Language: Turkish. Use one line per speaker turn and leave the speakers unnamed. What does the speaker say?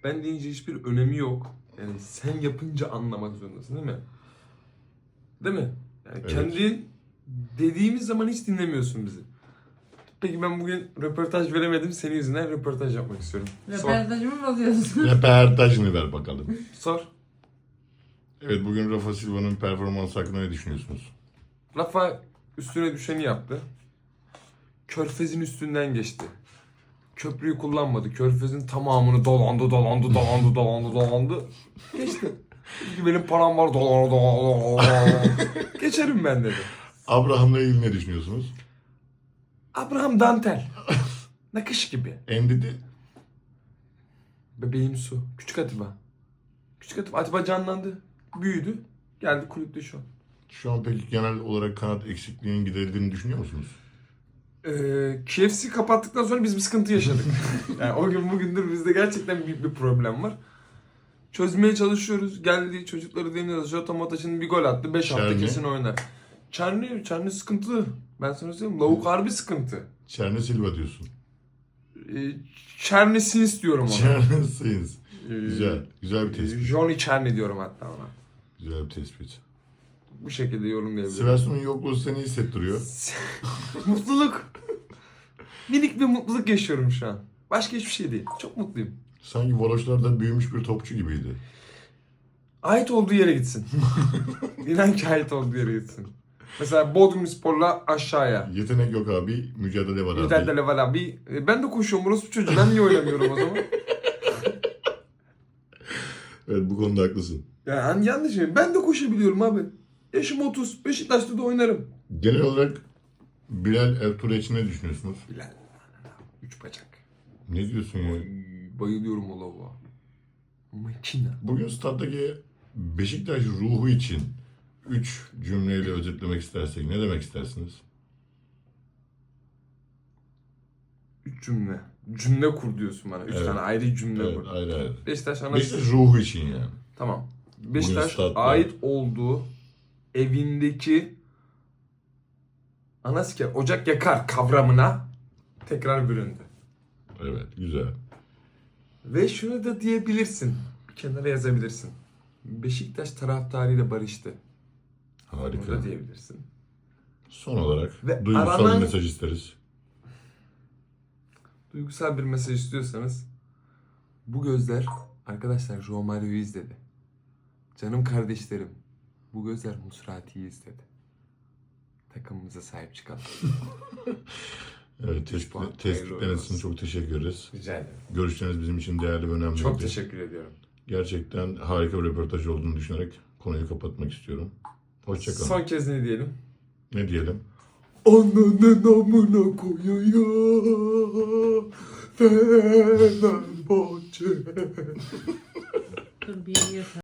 Ben deyince hiçbir önemi yok. Yani sen yapınca anlamak zorundasın değil mi? Değil mi? Yani
Evet.
kendin dediğimiz zaman hiç dinlemiyorsun bizi. Peki ben bugün röportaj veremedim. Senin yüzünden röportaj yapmak istiyorum. Sor.
Röportajımı bozuyorsun.
Röportajını ver bakalım.
Sor.
Evet, bugün Rafa Silva'nın performansı hakkında ne düşünüyorsunuz?
Rafa üstüne düşeni yaptı. Körfez'in üstünden geçti. Köprüyü kullanmadı. Körfez'in tamamını dolandı. Geçti. Çünkü benim param var dolandı. Geçerim ben dedi.
Abraham'la ilgili ne düşünüyorsunuz?
Abraham dantel. Nakış gibi.
Endidi.
Bebeğim su. Küçük Atiba. Küçük Atiba. Atiba canlandı. Büyüdü. Geldi kulüpte şu an.
Şu an peki genel olarak kanat eksikliğinin giderildiğini düşünüyor musunuz?
KFC kapattıktan sonra biz bir sıkıntı yaşadık. Yani o gün bugündür bizde gerçekten büyük bir problem var. Çözmeye çalışıyoruz. Geldi çocukları deniyoruz. Jota Mota şimdi bir gol attı. 5 hafta
Çerni.
kesin oynar. Çerni sıkıntı. Ben sana söyleyeyim. Lavuk harbi sıkıntı.
Çerne Silva diyorsun.
Çerni Sins diyorum ona.
Çerne Sins. Güzel. Güzel bir tespit.
Johnny Çerni diyorum hatta ona.
Güzel bir tespit.
Bu şekilde yorumlayabilirim.
Sivas'ın yokluğu seni hissettiriyor.
Mutluluk. Minik bir mutluluk yaşıyorum şu an. Başka hiçbir şey değil. Çok mutluyum.
Sanki Varoşlar'da büyümüş bir topçu gibiydi.
Ait olduğu yere gitsin. İnan ki ait olduğu yere gitsin. Mesela Bodrumspor'la aşağıya.
Yetenek yok abi, mücadele var abi.
Mücadele var abi. Ben de koşuyorum burası çocuğu. Ben niye oynamıyorum o zaman?
Evet, bu konuda haklısın.
Yani yanlış mı? Ben de koşabiliyorum abi. Yaşım 30. Beşiktaş'ta da oynarım.
Genel olarak Bilal Ertuğrul ne düşünüyorsunuz?
Bilal. 3 bacak.
Ne diyorsun ya?
Bayılıyorum o lavuğa. Makina.
Bugün staddaki Beşiktaş ruhu için 3 cümleyle özetlemek istersek ne demek istersiniz?
3 cümle. Cümle kur diyorsun bana. 3
Evet.
tane ayrı cümle
Evet,
kur.
ayrı ayrı.
Beşiktaş ana...
Beşiktaş ruhu için yani.
Tamam. Beşiktaş
statta.
ait olduğu evindeki anasker ocak yakar kavramına tekrar büründü.
Evet, güzel.
Ve şunu da diyebilirsin. Bir kenara yazabilirsin. Beşiktaş taraftarıyla barıştı.
Harika.
Bunu da diyebilirsin.
Son olarak
Ve
duygusal
aranan-
bir mesaj isteriz.
Duygusal bir mesaj istiyorsanız bu gözler arkadaşlar Romario'yu izledi. Canım kardeşlerim bu gözler Musrati'yi izledi. Takımımıza sahip çıkalım.
Evet,
Üç puan.
tespitleriniz
Hayırlı
için
olsun.
çok teşekkür ederiz.
Rica ederim.
Görüşleriniz bizim için değerli ve önemli.
Çok teşekkür ediyorum.
Gerçekten harika bir röportaj olduğunu düşünerek konuyu kapatmak istiyorum. Hoşçakalın.
Son kez ne diyelim?
Ne diyelim?
Ananın amına koyuyor Fenerbahçe.
Dur bir